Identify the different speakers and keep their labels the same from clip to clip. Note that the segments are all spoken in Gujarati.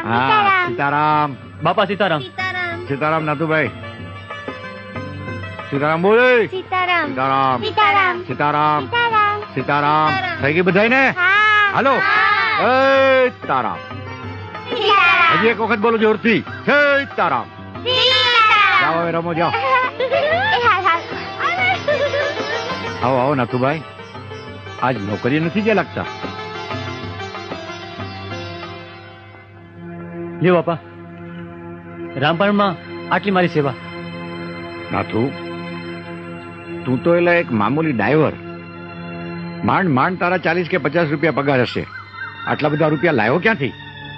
Speaker 1: હા સીતારામ.
Speaker 2: બાપા સીતારામ.
Speaker 1: સીતારામ નાથુભાઈ. સીતારામ બોલે.
Speaker 3: સીતારામ.
Speaker 1: સીતારામ.
Speaker 3: સીતારામ.
Speaker 1: સીતારામ.
Speaker 3: સીતારામ.
Speaker 1: સીતારામ. થઈ ગઈ બધાય ને? હાલો. સીતારામ. હજી એક વખત બોલો જોરથી. સીતારામ. જાઓ હવે રમો જાઓ. આવો આવો નાથુભાઈ. આજ નોકરી નથી જે લાગતા.
Speaker 2: લ્યો બાપા, રામપણમાં આટલી મારી સેવા.
Speaker 1: નાથુ, તું તો એટલે એક મામૂલી ડ્રાઈવર. માંડ માંડ તારા 40 કે 50 રૂપિયા પગાર હશે. આટલા બધા રૂપિયા લાવ્યો ક્યાંથી?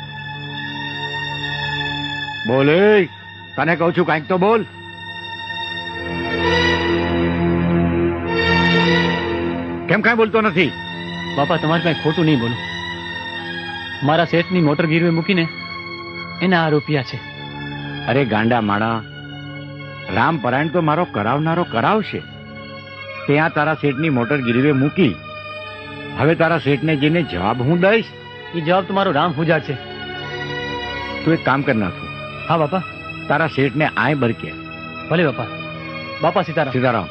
Speaker 1: બોલે, તને કહું છું કાંઈક તો બોલ. કેમ કાંઈ બોલતો નથી?
Speaker 2: બાપા, તમારે કાંઈ ખોટું નહીં બોલું. મારા શેઠની મોટર ગીરવે મૂકીને એના આ રૂપિયા છે.
Speaker 1: અરે ગાંડા માણા, રામપરાયણ તો મારો કરાવનારો કરાવશે. ત્યાં તારા શેઠની મોટર ગીરવે મૂકી. હવે તારા શેઠને જઈને જવાબ હું દઈશ?
Speaker 2: એ જવાબ તમારો રામ પૂજા છે.
Speaker 1: તું એક કામ કર નાખું.
Speaker 2: હા બાપા.
Speaker 1: તારા શેઠને આય બરકે.
Speaker 2: ભલે બાપા. બાપા સીતારામ.
Speaker 1: સીતારામ.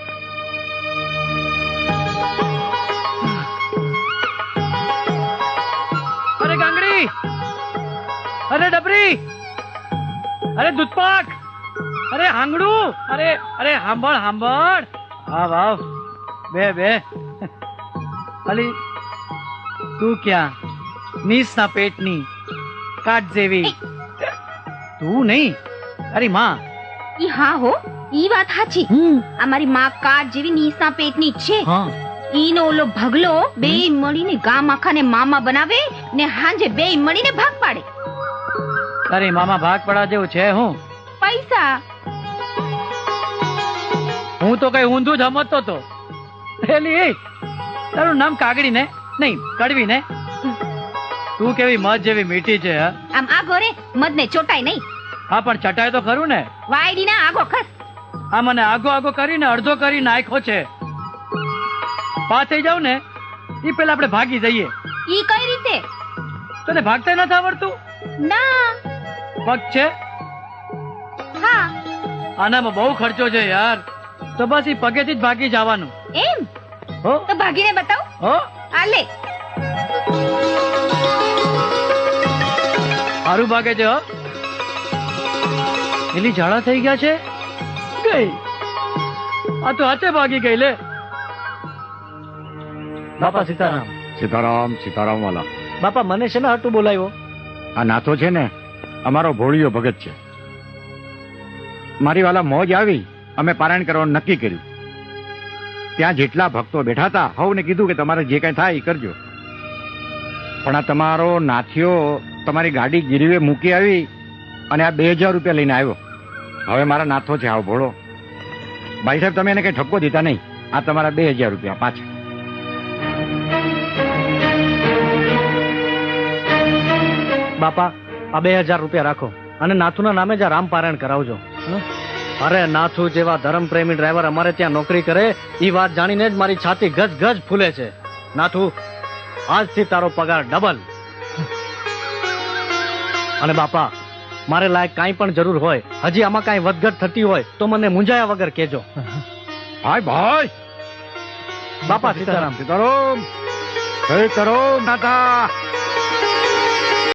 Speaker 2: અરે ગાંગડી, અરે ડબરી, અરે દૂધપાક, અરે હાંગડું, અરે અરે હાંભળ હાંભળ. હા વાવ, બે બે. અલી તું ક્યાં? નીસના પેટની કાટ જેવી તું નહીં. અરે માં.
Speaker 3: ઈ હા હો, ઈ વાત સાચી. અમારી માં કાટ જેવી નીસના પેટની જ છે.
Speaker 2: હા.
Speaker 3: ઈનો ઓલો ભગલો બે મળીને ગામ આખાને મામા બનાવે ને હાંજે બે મળીને ભાગ પાડે.
Speaker 2: અરે મામા ભાગ પડા જેવું છે હું?
Speaker 3: પૈસા.
Speaker 2: હું તો કઈ ઊંધું જ સમજતો તો. પેલી તારું નામ કાગડી ને નહીં કડવી ને? તું કેવી મધ જેવી મીઠી છે.
Speaker 3: આમ આગો રે, મધ ને ચોટાય નહીં.
Speaker 2: હા પણ ચટાય તો ખરું ને.
Speaker 3: વાયડી ના આગો ખસ.
Speaker 2: આ મને આગો આગો કરીને અડધો કરી નાખ્યો છે. પા થઈ જાવ ને એ પેલા આપણે ભાગી જઈએ.
Speaker 3: ઈ કઈ રીતે?
Speaker 2: તને ભાગતા નથી આવડતું?
Speaker 3: ના.
Speaker 2: પગ છે?
Speaker 3: હા.
Speaker 2: આનામાં બહુ ખર્ચો છે યાર. તો બસ એ પગેથી જ ભાગી જવાનું.
Speaker 3: એમ?
Speaker 2: હો
Speaker 3: તો ભાગીને બતાવ.
Speaker 2: હો
Speaker 3: આ લે.
Speaker 2: સારું ભાગે છે. હો એલી ઝાડા થઈ ગયા છે. ગઈ આ તો હાથે ભાગી ગઈ. લે બાપા સીતારામ.
Speaker 1: સીતારામ. સીતારામ વાલા.
Speaker 2: બાપા મને છે ને હાટું બોલાવ્યો?
Speaker 1: આ નાથો છે ને અમારો ભોળિયો ભગત છે. મારી વાલા મોજ આવી, અમે પારાયણ કરવાનું નક્કી કર્યું. ત્યાં જેટલા ભક્તો બેઠા હતા હવને કીધું કે તમારે જે કઈ થાય એ કરજો. પણ આ તમારો નાથિયો તમારી ગાડી ગીરવે મૂકી આવી અને આ 2000 રૂપિયા લઈને આવ્યો. હવે મારા નાથો છે આવો ભોળો. ભાઈ સાહેબ, તમે એને કઈ ઠપકો દીધા નહીં. આ તમારા 2000 રૂપિયા પાછા.
Speaker 2: બાપા, આ 2000 રૂપિયા રાખો અને નાથુના નામે જ રામ પારાયણ કરાવજો. અરે નાથુ જેવા ધર્મ પ્રેમી ડ્રાઈવર અમારે ત્યાં નોકરી કરે એ વાત જાણીને જ મારી છાતી ગજ ગજ ફૂલે છે. નાથુ, આજથી તારો પગાર ડબલ. અને બાપા, મારે લાયક કાંઈ પણ જરૂર હોય, હજી આમાં કાંઈ વધઘટ થતી હોય તો મને મૂંઝાયા વગર કહેજો.
Speaker 1: ભાઈ ભાઈ.
Speaker 2: બાપા સીતારામ.
Speaker 1: સીતારામ. સીતારામ નાથા.